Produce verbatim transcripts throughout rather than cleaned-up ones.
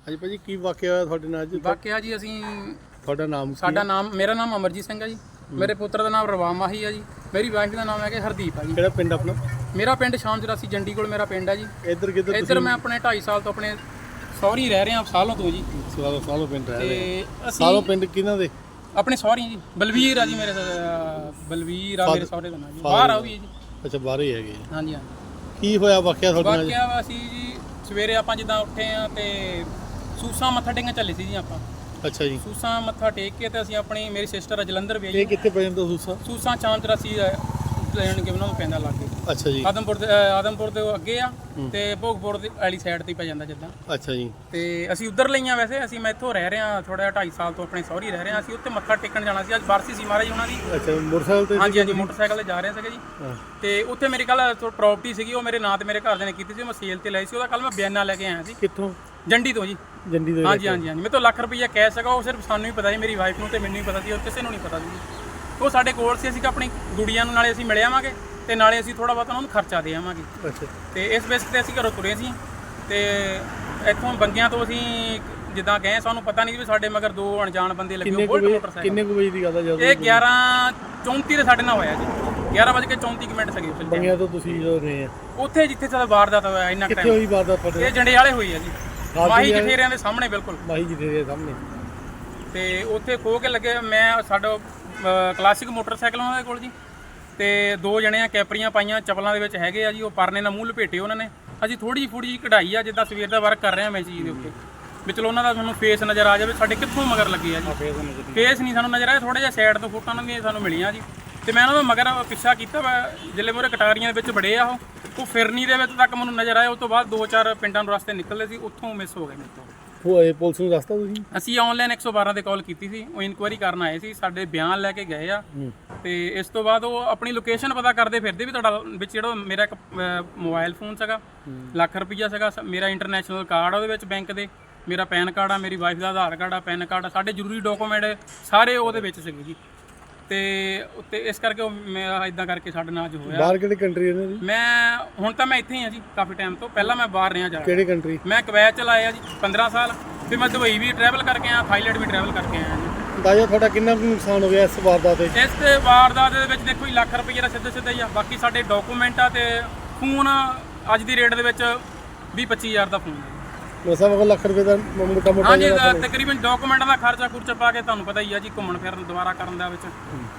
ਹਾਂਜੀ ਭਾਜੀ ਕੀ ਵਾਕਿਆ ਹੋਇਆ ਤੁਹਾਡੇ ਨਾਲ ਅੱਜ? ਵਾਕਿਆ ਜੀ ਅਸੀਂ ਤੁਹਾਡਾ ਨਾਮ ਕੀ ਸਾਡਾ ਹੈ? ਨਾਮ ਮੇਰਾ ਨਾਮ ਅਮਰਜੀਤ ਸਿੰਘ ਹੈ ਜੀ। ਮੇਰੇ ਪੁੱਤਰ ਦਾ ਨਾਮ ਰਵਾਮ ਮਾਹੀ ਹੈ ਜੀ। ਮੇਰੀ ਵਾਈਫ ਦਾ ਨਾਮ ਹੈਗਾ ਹਰਦੀਪ ਹੈ ਜੀ। ਕਿਹੜਾ ਪਿੰਡ ਆਪਣਾ? ਮੇਰਾ ਪਿੰਡ ਸ਼ਾਮ ਚੁਰਾਸੀ ਜੰਡੀ ਕੋਲ ਮੇਰਾ ਪਿੰਡ ਹੈ ਜੀ। ਇੱਧਰ ਕਿੱਧਰ ਇੱਧਰ ਮੈਂ ਆਪਣੇ ਢਾਈ ਸਾਲ ਤੋਂ ਆਪਣੇ ਸਹੁਰੀ ਰਹਿ ਰਿਹਾ ਸਾਲੋਂ ਤੋਂ ਜੀ। ਸਾਲੋ ਸਾਲੋ ਪਿੰਡ ਰਹਿ ਰਹੇ ਤੇ ਸਾਲੋ ਅਸੀਂ ਪਿੰਡ ਕਿਹਨਾਂ ਦੇ? ਆਪਣੇ ਸਹੁਰੀ ਜੀ ਬਲਵੀਰ ਆ ਜੀ ਮੇਰੇ ਅਹ, ਬਲਵੀਰ ਆ ਮੇਰੇ ਸਹੁਰੇ ਦਾ ਨਾਮ ਜੀ। ਬਾਹਰ ਆ ਉਹ ਵੀ ਜੀ। ਅੱਛਾ ਬਾਹਰ ਹੀ ਹੈਗੇ। ਹਾਂਜੀ ਹਾਂਜੀ। ਕੀ ਹੋਇਆ ਵਾਕਿਆ ਤੁਹਾਡੇ ਨਾਲ? ਵਾਕਿਆ ਅਸੀਂ ਜੀ ਸਵੇਰੇ ਆਪਾਂ ਜਿੱਦਾਂ ਉੱਠੇ ਆ ਤੇ ਸੂਸਾਂ ਮੱਥਾ ਟੇਕਣ ਚੱਲੇ ਸੀ ਜੀ ਆਪਾਂ। ਅੱਛਾ ਜੀ। ਸੂਸਾਂ ਮੱਥਾ ਟੇਕ ਕੇ ਤੇ ਅਸੀਂ ਆਪਣੀ ਮੇਰੀ ਸਿਸਟਰ ਜਲੰਧਰ ਵੀ ਇਹ ਕਿੱਥੇ ਪੈ ਜਾਂਦਾ ਸੂਸਾ? ਸੂਸਾਂ ਚਾਮ ਚੁਰਾਸੀ ਲੈਣ ਕੇ ਉਹਨਾਂ ਨੂੰ ਪੈਂਦਾ ਲੱਗੇ। ਅੱਛਾ ਜੀ। ਆਦਮਪੁਰ ਦੇ ਅਹ ਆਦਮਪੁਰ ਦੇ ਉਹ ਅੱਗੇ ਆ ਤੇ ਭੋਗਪੁਰ ਦੀ ਵਾਲੀ ਸਾਈਡ ਤੇ ਪੈ ਜਾਂਦਾ ਜਿੱਦਾਂ। ਅੱਛਾ ਜੀ। ਤੇ ਅਸੀਂ ਉੱਧਰ ਲਈਆਂ ਵੈਸੇ ਅਸੀਂ ਮੈਂ ਇੱਥੋਂ ਰਹਿ ਰਿਹਾ ਥੋੜਾ ਜਿਹਾ ਢਾਈ ਸਾਲ ਤੋਂ ਆਪਣੇ ਸਹੁਰੀ ਰਹਿ ਰਿਹਾ। ਅਸੀਂ ਉੱਥੇ ਮੱਥਾ ਟੇਕਣ ਜਾਣਾ ਸੀ। ਅੱਜ ਬਰਸੀ ਸੀ ਮਹਾਰਾਜ ਉਹਨਾਂ ਦੀ। ਅੱਛਾ ਮੋਟਰਸਾਈਕਲ ਤੇ? ਹਾਂਜੀ ਹਾਂਜੀ ਮੋਟਰਸਾਈਕਲ ਤੇ ਜਾ ਰਹੇ ਸੀਗੇ ਜੀ। ਤੇ ਉੱਥੇ ਮੇਰੀ ਕੱਲ ਪ੍ਰਾਪਰਟੀ ਸੀਗੀ ਉਹ ਮੇਰੇ ਨਾਂ ਤੇ ਮੇਰੇ ਘਰਦਿਆਂ ਨੇ ਕੀਤੀ ਸੀ। ਮੈਂ ਸੇਲ ਤੇ ਲਈ ਸੀ ਉਹਦਾ ਕੱਲ ਮੈਂ ਬਿਆਨਾ ਲੈ ਕੇ ਆਇਆ ਸੀ। ਕਿੱਥੋਂ? ਜੰਡੀ ਤੋਂ ਜੀ। ਜੰਡੀ ਤੋਂ? ਹਾਂਜੀ ਹਾਂਜੀ ਹਾਂਜੀ। ਮੇਰੇ ਤੋਂ ਲੱਖ ਰੁਪਈਆ ਕੈਸ਼ ਸੀਗਾ। ਉਹ ਸਿਰਫ ਸਾਨੂੰ ਹੀ ਪਤਾ ਸੀ, ਮੇਰੀ ਵਾਈਫ ਨੂੰ ਤੇ ਮੈਨੂੰ ਹੀ ਪਤਾ ਸੀ, ਉਹ ਕਿਸੇ ਨੂੰ ਨਹੀਂ ਪਤਾ ਸੀ। ਉਹ ਸਾਡੇ ਕੋਲ ਸੀ। ਅਸੀਂ ਆਪਣੀ ਗੁੜੀਆਂ ਨੂੰ ਨਾਲੇ ਅਸੀਂ ਮਿਲ ਆਵਾਂਗੇ ਤੇ ਨਾਲੇ ਅਸੀਂ ਥੋੜਾ ਬਹੁਤ ਉਹਨਾਂ ਨੂੰ ਖਰਚਾ ਦੇ ਆਵਾਂਗੇ। ਅੱਛਾ। ਤੇ ਇਸ ਬੇਸ ਤੇ ਅਸੀਂ ਘਰੋਂ ਤੁਰੇ ਸੀ ਤੇ ਇੱਥੋਂ ਬੰਗਿਆਂ ਤੋਂ ਅਸੀਂ ਜਿੱਦਾਂ ਗਏ ਸਾਨੂੰ ਪਤਾ ਨਹੀਂ ਵੀ ਸਾਡੇ ਮਗਰ ਦੋ ਅਣਜਾਣ ਬੰਦੇ ਲੱਗੇ ਬੁਲਟ ਮੋਟਰਸਾਈਕਲ। ਕਿੰਨੇ ਕੁ ਵਜੇ ਦੀ ਗੱਲ ਹੈ ਜਦੋਂ? ਇਹ ਗਿਆਰਾਂ ਚੌਂਤੀ ਦੇ ਸਾਡੇ ਨਾਲ ਹੋਇਆ ਜੀ। ਗਿਆਰਾਂ ਵਜੇ ਕੇ ਚੌਂਤੀ ਮਿੰਟ ਸੀਗੇ ਉਸ ਬੰਗਿਆਂ ਤੋਂ ਤੁਸੀਂ ਜਦੋਂ ਰਹੇ ਆ ਉੱਥੇ ਜਿੱਥੇ ਸਾਡਾ ਵਾਰਦਾਤ ਹੋਇਆ ਇੰਨਾ ਕਿੱਥੇ ਟਾਈਮ। ਹੋਈ ਵਾਰਦਾਤ ਤੁਹਾਡੇ? ਇਹ ਜੰਡਿਆਲੇ ਹੋਈ ਹੈ ਜੀ। ਮਾਹੀ ਜਠੇਰਿਆਂ ਦੇ ਸਾਹਮਣੇ ਬਿਲਕੁਲ। ਮਾਹੀ ਜੀ ਦੇ ਸਾਹਮਣੇ। ਤੇ ਉੱਥੇ ਖੋ ਕੇ ਲੱਗੇ। ਮੈਂ ਸਾਡਾ ਕਲਾਸਿਕ ਮੋਟਰਸਾਈਕਲ ਉਹਨਾਂ ਦੇ ਕੋਲ ਜੀ ਤੇ ਦੋ ਜਣੇ ਆ ਕੈਪਰੀਆਂ ਪਾਈਆਂ ਚੱਪਲਾਂ ਦੇ ਵਿੱਚ ਹੈਗੇ ਆ ਜੀ। ਉਹ ਪਰਨੇ ਨਾਲ ਮੂੰਹ ਲਪੇਟੇ ਉਹਨਾਂ ਨੇ। ਅਸੀਂ ਥੋੜੀ ਫੁੜੀ ਜਿਹੀ ਕਢਾਈ ਆ ਜਿੱਦਾਂ ਸਵੇਰ ਦਾ ਵਰਕ ਕਰ ਰਹੇ ਆ ਮੈਂ ਚੀਜ਼ ਦੇ ਉੱਤੇ ਵੀ ਚਲੋ ਉਹਨਾਂ ਦਾ ਤੁਹਾਨੂੰ ਫੇਸ ਨਜ਼ਰ ਆ ਜਾਵੇ ਸਾਡੇ ਕਿੱਥੋਂ ਮਗਰ ਲੱਗੇ ਆ ਜੀ। ਫੇਸ ਨਹੀਂ ਸਾਨੂੰ ਨਜ਼ਰ ਆਇਆ। ਥੋੜਾ ਜਿਹਾ ਸਾਈਡ ਤੋਂ ਫੋਟੋਆਂ ਉਹਨਾਂ ਦੀਆਂ ਸਾਨੂੰ ਮਿਲੀਆਂ ਜੀ ਤੇ ਮੈਂ ਉਹਨਾਂ ਦਾ ਮਗਰ ਪਿੱਛਾ ਕੀਤਾ ਵਾ। ਜਿੱਲੇ ਮੋਰੇ ਕਟਾਰੀਆਂ ਦੇ ਵਿੱਚ ਬੜੇ ਆ ਉਹ ਉਹ ਫਿਰਨੀ ਦੇ ਵਿੱਚ ਤੱਕ ਮੈਨੂੰ ਨਜ਼ਰ ਆਇਆ। ਉਸ ਤੋਂ ਬਾਅਦ ਦੋ ਚਾਰ ਪਿੰਡਾਂ ਨੂੰ ਰਸਤੇ ਨਿਕਲਦੇ ਸੀ ਉੱਥੋਂ ਮਿਸ ਹੋ ਗਏ ਮੇਰੇ ਤੋਂ। ਹੋਏ ਪੁਲਿਸ ਨੂੰ ਦੱਸਤਾ ਤੁਸੀਂ? ਅਸੀਂ ਆਨਲਾਈਨ ਇੱਕ ਸੌ ਬਾਰਾਂ ਤੇ ਕਾਲ ਕੀਤੀ ਸੀ। ਉਹ ਇਨਕੁਆਇਰੀ ਕਰਨ ਆਏ ਸੀ, ਸਾਡੇ ਬਿਆਨ ਲੈ ਕੇ ਗਏ ਆ ਤੇ ਇਸ ਤੋਂ ਬਾਅਦ ਉਹ ਆਪਣੀ ਲੋਕੇਸ਼ਨ ਪਤਾ ਕਰਦੇ ਫਿਰਦੇ ਵੀ ਤੁਹਾਡਾ ਵਿੱਚ ਜਿਹੜਾ ਮੇਰਾ ਇੱਕ ਮੋਬਾਈਲ ਫੋਨ ਸੀਗਾ ਲੱਖ ਰੁਪਈਆ ਸੀਗਾ, ਮੇਰਾ ਇੰਟਰਨੈਸ਼ਨਲ ਕਾਰਡ ਉਹਦੇ ਵਿੱਚ ਬੈਂਕ ਦੇ, ਮੇਰਾ ਪੈਨ ਕਾਰਡ ਆ, ਮੇਰੀ ਵਾਈਫ ਦਾ ਆਧਾਰ ਕਾਰਡ ਆ, ਪੈਨ ਕਾਰਡ ਆ, ਸਾਡੇ ਜ਼ਰੂਰੀ ਡਾਕੂਮੈਂਟ ਸਾਰੇ ਉਹਦੇ ਵਿੱਚ ਸੀਗੇ ਜੀ। ਤੇ ਉੱਤੇ ਇਸ ਕਰਕੇ ਉਹ ਮੈਂ ਇਦਾਂ ਕਰਕੇ ਸਾਡੇ ਨਾਲ ਅੱਜ ਹੋਇਆ। ਬਾਹਰ ਕਿਹੜੀ ਕੰਟਰੀ ਇਹਨਾਂ ਦੀ? ਮੈਂ ਹੁਣ ਤਾਂ ਮੈਂ ਇੱਥੇ ਹੀ ਆ ਜੀ ਕਾਫੀ ਟਾਈਮ ਤੋਂ। ਪਹਿਲਾਂ ਮੈਂ ਬਾਹਰ ਰਿਹਾ ਜਾ। ਕਿਹੜੀ ਕੰਟਰੀ? ਮੈਂ ਕੁਵੈਤ ਚ ਲਾਇਆ ਜੀ ਪੰਦਰਾਂ ਸਾਲ। ਫਿਰ ਮੈਂ ਦੁਬਈ ਵੀ ਟਰੈਵਲ ਕਰਕੇ ਆਇਆ, ਥਾਈਲੈਂਡ ਵੀ ਟਰੈਵਲ ਕਰਕੇ ਆਇਆ ਜੀ। ਅੰਦਾਜ਼ਾ ਤੁਹਾਡਾ ਕਿੰਨਾ ਕੁ ਨੁਕਸਾਨ ਹੋ ਗਿਆ ਇਸ ਵਾਰਦਾਤ ਤੇ? ਇਸ ਤੇ ਵਾਰਦਾਤ ਦੇ ਵਿੱਚ ਦੇਖੋ ਜੀ ਲੱਖ ਰੁਪਏ ਦਾ ਸਿੱਧਾ ਸਿੱਧਾ ਹੀ ਆ। ਬਾਕੀ ਸਾਡੇ ਡਾਕੂਮੈਂਟ ਆ ਤੇ ਫੋਨ ਅੱਜ ਦੀ ਰੇਟ ਦੇ ਵਿੱਚ ਵੀਹ ਪੱਚੀ ਹਜ਼ਾਰ ਦਾ ਫੋਨ ਹੈ। ਮਸਾ ਵਗ ਲੱਖ ਰੁਪਏ ਦਾ ਮੋਟਾ ਮੋਟਾ? ਹਾਂਜੀ ਤਕਰੀਬਨ ਡਾਕੂਮੈਂਟਾਂ ਦਾ ਖਰਚਾ ਖੁਰਚਾ ਪਾ ਕੇ ਤੁਹਾਨੂੰ ਪਤਾ ਹੀ ਆ ਜੀ ਘੁੰਮਣ ਫਿਰਨ ਦੁਬਾਰਾ ਕਰਨ ਦਾ ਵਿੱਚ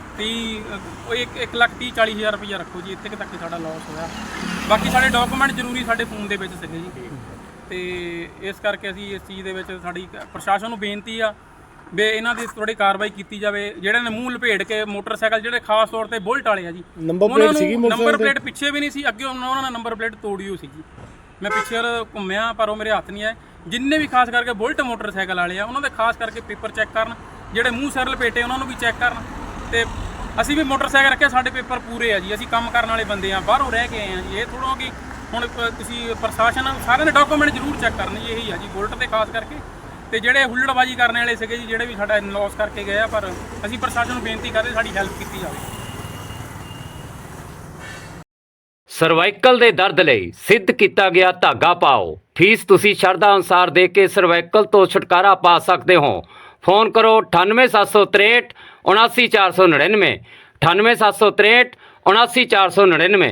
ਤੀਹ ਉਹ ਇੱਕ ਇੱਕ ਲੱਖ ਤੀਹ ਚਾਲੀ ਹਜ਼ਾਰ ਰੁਪਈਆ ਰੱਖੋ ਜੀ। ਇੱਥੇ ਕੁ ਤੱਕ ਸਾਡਾ ਲਾਸ ਹੋਇਆ। ਬਾਕੀ ਸਾਡੇ ਡਾਕੂਮੈਂਟ ਜ਼ਰੂਰੀ ਸਾਡੇ ਫੋਨ ਦੇ ਵਿੱਚ ਸੀਗੇ ਜੀ ਤੇ ਇਸ ਕਰਕੇ ਅਸੀਂ ਇਸ ਚੀਜ਼ ਦੇ ਵਿੱਚ ਸਾਡੀ ਪ੍ਰਸ਼ਾਸਨ ਨੂੰ ਬੇਨਤੀ ਆ ਵੀ ਇਹਨਾਂ ਦੀ ਥੋੜੀ ਕਾਰਵਾਈ ਕੀਤੀ ਜਾਵੇ। ਜਿਹੜੇ ਨੇ ਮੂੰਹ ਲਪੇਟ ਕੇ ਮੋਟਰਸਾਈਕਲ ਜਿਹੜੇ ਖਾਸ ਤੌਰ ਤੇ ਬੁਲਟ ਵਾਲੇ ਆ ਜੀ, ਨੰਬਰ ਪਲੇਟ ਸੀਗੀ ਨੰਬਰ ਪਲੇਟ ਪਿੱਛੇ ਵੀ ਨਹੀਂ ਸੀ, ਅੱਗੇ ਉਹਨਾਂ ਨੇ ਨੰਬਰ ਪਲੇਟ ਤੋੜੀ ਹੋਈ ਸੀ ਜੀ। ਮੈਂ ਪਿੱਛੇ ਘੁੰਮਿਆ ਪਰ ਉਹ ਮੇਰੇ ਹੱਥ ਨਹੀਂ ਆਏ। ਜਿੰਨੇ ਵੀ ਖਾਸ ਕਰਕੇ ਬੁਲਟ ਮੋਟਰਸਾਈਕਲ ਵਾਲੇ ਆ ਉਹਨਾਂ ਦੇ ਖਾਸ ਕਰਕੇ ਪੇਪਰ ਚੈੱਕ ਕਰਨ, ਜਿਹੜੇ ਮੂੰਹ ਸਿਰ ਲਪੇਟੇ ਉਹਨਾਂ ਨੂੰ ਵੀ ਚੈੱਕ ਕਰਨ। ਤੇ ਅਸੀਂ ਵੀ ਮੋਟਰਸਾਈਕਲ ਰੱਖਿਆ, ਸਾਡੇ ਪੇਪਰ ਪੂਰੇ ਆ ਜੀ। ਅਸੀਂ ਕੰਮ ਕਰਨ ਵਾਲੇ ਬੰਦੇ ਆ, ਬਾਹਰੋਂ ਰਹਿ ਕੇ ਆਏ ਆ ਜੀ। ਇਹ ਥੋੜ੍ਹਾ ਕਿ ਹੁਣ ਤੁਸੀਂ ਪ੍ਰਸ਼ਾਸਨ ਸਾਰਿਆਂ ਦੇ ਡਾਕੂਮੈਂਟ ਜ਼ਰੂਰ ਚੈੱਕ ਕਰਨੇ ਜੀ। ਇਹੀ ਆ ਜੀ ਬੁਲਟ ਤੇ ਖਾਸ ਕਰਕੇ। ਤੇ ਜਿਹੜੇ ਹੁੱਲੜਬਾਜੀ ਕਰਨ ਵਾਲੇ ਸੀਗੇ ਜੀ ਜਿਹੜੇ ਵੀ ਸਾਡਾ ਲੋਸ ਕਰਕੇ ਗਏ ਆ, ਪਰ ਅਸੀਂ ਪ੍ਰਸ਼ਾਸਨ ਨੂੰ ਬੇਨਤੀ ਕਰਦੇ ਸਾਡੀ ਹੈਲਪ ਕੀਤੀ ਜਾਵੇ। ਸਰਵਾਈਕਲ ਦੇ ਦਰਦ ਲਈ ਸਿੱਧ ਕੀਤਾ ਗਿਆ ਧਾਗਾ ਪਾਓ। ਫੀਸ ਤੁਸੀਂ ਸ਼ਰਧਾ ਅਨੁਸਾਰ ਦੇ ਕੇ ਸਰਵਾਈਕਲ ਤੋਂ ਛੁਟਕਾਰਾ ਪਾ ਸਕਦੇ ਹੋ। ਫੋਨ ਕਰੋ ਅਠਾਨਵੇਂ ਸੱਤ ਸੌ ਤ੍ਰੇਹਠ ਉਨਾਸੀ ਚਾਰ ਸੌ ਨੜਿਨਵੇਂ ਅਠਾਨਵੇਂ ਸੱਤ ਸੌ ਤ੍ਰੇਹਠ ਉਨਾਸੀ ਚਾਰ ਸੌ ਨੜਿਨਵੇਂ।